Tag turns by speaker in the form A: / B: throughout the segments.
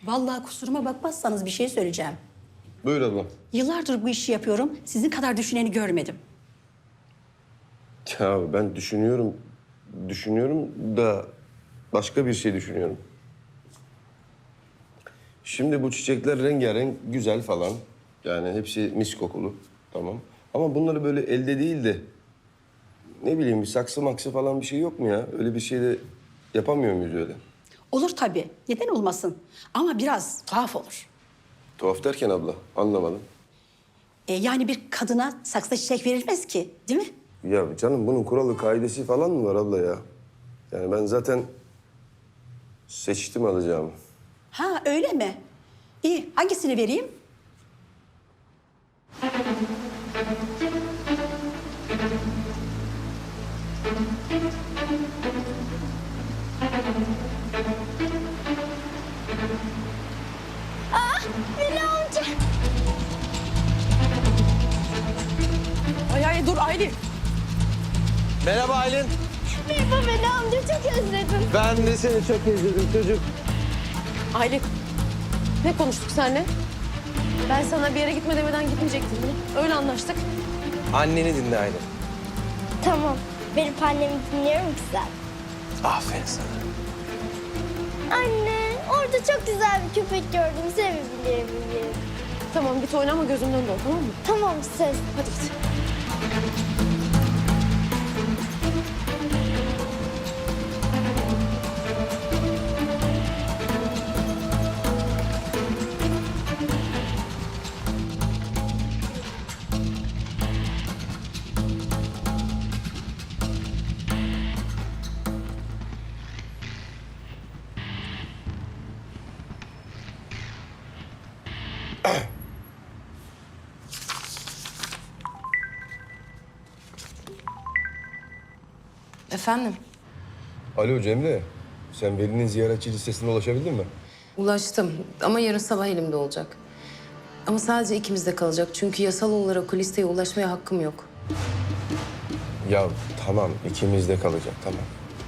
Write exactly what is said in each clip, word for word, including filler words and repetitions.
A: Vallahi kusuruma bakmazsanız bir şey söyleyeceğim.
B: Buyur abla.
A: Yıllardır bu işi yapıyorum. Sizin kadar düşüneni görmedim.
B: Ya ben düşünüyorum, düşünüyorum da başka bir şey düşünüyorum. Şimdi bu çiçekler rengarenk, güzel falan. Yani hepsi mis kokulu, tamam. Ama bunları böyle elde değil de... ne bileyim bir saksı maksı falan bir şey yok mu ya? Öyle bir şey de yapamıyor muyuz öyle?
A: Olur tabii. Neden olmasın? Ama biraz tuhaf olur.
B: Tuhaf derken abla, anlamadım.
A: E, yani bir kadına saksı çiçek verilmez ki, değil mi?
B: Ya canım bunun kuralı, kaidesi falan mı var abla ya? Yani ben zaten seçtim alacağımı.
A: Ha öyle mi? İyi, hangisini vereyim?
C: Veli amca.
D: Ay ay dur Aylin.
E: Merhaba Aylin.
C: Merhaba Veli amca, çok özledim.
E: Ben de seni çok özledim çocuk.
D: Aylin. Ne konuştuk seninle? Ben sana bir yere gitme demeden gitmeyecektim değil mi? Öyle anlaştık.
E: Anneni dinle Aylin.
C: Tamam, benim annemi dinliyorum ki sen.
E: Aferin sana.
C: Anne, orada çok güzel bir köpek gördüm, sevebilir miyim?
D: Tamam git oyna ama gözümden dön tamam mı?
C: Tamam, söz.
D: Hadi git.
F: Efendim?
B: Alo Cemre, sen Veli'nin ziyaretçi listesine ulaşabildin mi?
F: Ulaştım ama yarın sabah elimde olacak. Ama sadece ikimizde kalacak çünkü yasal olarak o listeye ulaşmaya hakkım yok.
B: Ya tamam, ikimiz de kalacak, tamam.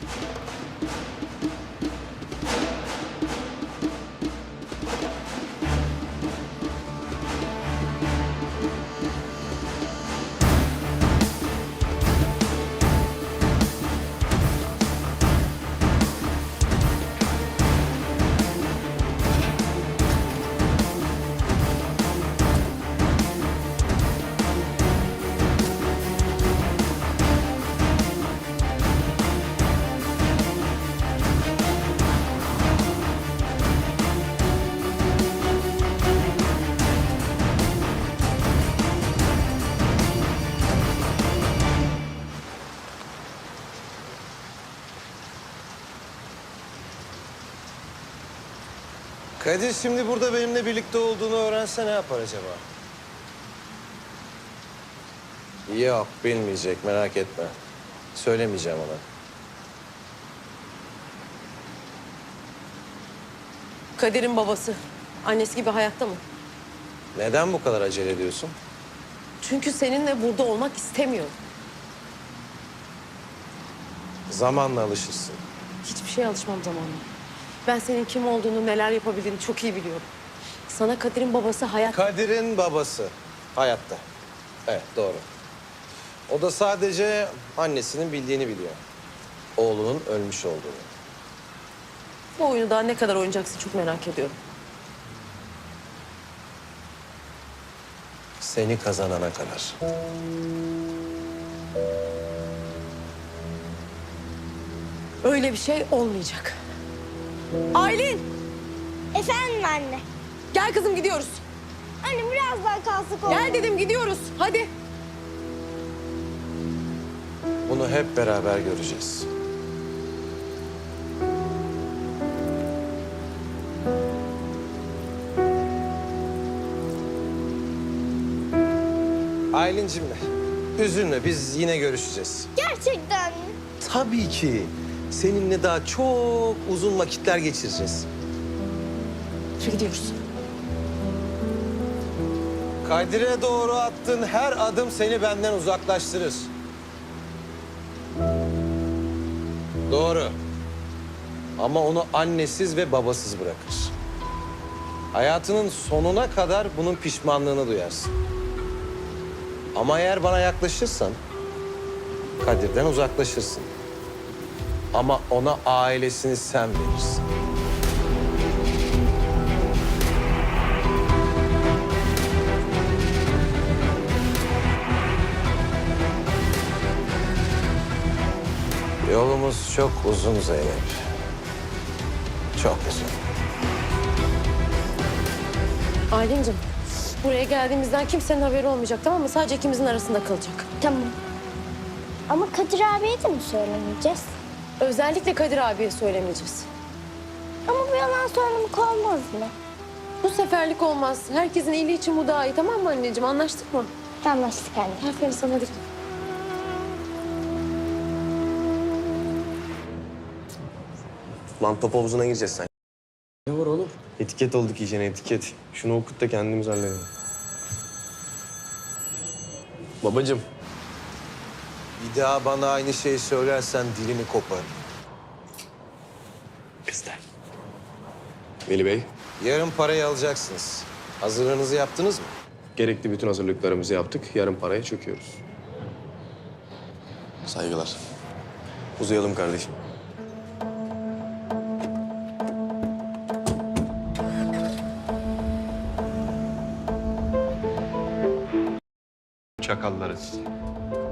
E: Kadir şimdi burada benimle birlikte olduğunu öğrense ne yapar acaba? Yok bilmeyecek merak etme. Söylemeyeceğim ona.
D: Kadir'in babası. Annesi gibi hayatta mı?
E: Neden bu kadar acele ediyorsun?
D: Çünkü seninle burada olmak istemiyor.
E: Zamanla alışırsın.
D: Hiçbir şeye alışmam zamanla. Ben senin kim olduğunu, neler yapabildiğini çok iyi biliyorum. Sana Kadir'in babası hayat...
E: Kadir'in babası hayatta. Evet doğru. O da sadece annesinin bildiğini biliyor. Oğlunun ölmüş olduğunu.
D: Bu oyunu daha ne kadar oynayacaksın çok merak ediyorum.
E: Seni kazanana kadar.
D: Öyle bir şey olmayacak. Aylin!
C: Efendim anne.
D: Gel kızım gidiyoruz.
C: Anne biraz daha kalsak olur.
D: Gel dedim gidiyoruz. Hadi.
E: Bunu hep beraber göreceğiz. Aylin'cim üzülme biz yine görüşeceğiz.
C: Gerçekten mi?
E: Tabii ki. Seninle daha çok uzun vakitler geçireceğiz.
D: Yürü gidiyoruz.
E: Kadir'e doğru attığın her adım seni benden uzaklaştırır. Doğru. Ama onu annesiz ve babasız bırakır. Hayatının sonuna kadar bunun pişmanlığını duyarsın. Ama eğer bana yaklaşırsan Kadir'den uzaklaşırsın. Ama ona ailesini sen verirsin. Yolumuz çok uzun Zeynep. Çok uzun.
D: Aylin'cim, buraya geldiğimizden kimsenin haberi olmayacak, tamam mı? Sadece ikimizin arasında kalacak.
C: Tamam. Ama Kadir abiye de mi söylemeyeceğiz?
D: Özellikle Kadir abiye söylemeyeceğiz.
C: Ama bu yalan söylemek olmaz mı?
D: Bu seferlik olmaz. Herkesin iyiliği için bu daha iyi, tamam mı anneciğim? Anlaştık mı?
C: Anlaştık anne.
D: Aferin sana, hadi.
G: Lan top havuzuna gireceğiz sen. Ne var oğlum? Etiket olduk iyicene etiket. Şunu okut da kendimiz halledelim. Babacığım.
E: Bir daha bana aynı şeyi söylersen dilini koparım.
G: Kızlar. Veli Bey,
E: Yarın parayı alacaksınız. Hazırlığınızı yaptınız mı?
G: gerekli bütün hazırlıklarımızı yaptık. Yarın paraya çöküyoruz. Saygılar. Uzayalım kardeşim.
H: Çakalları sizi.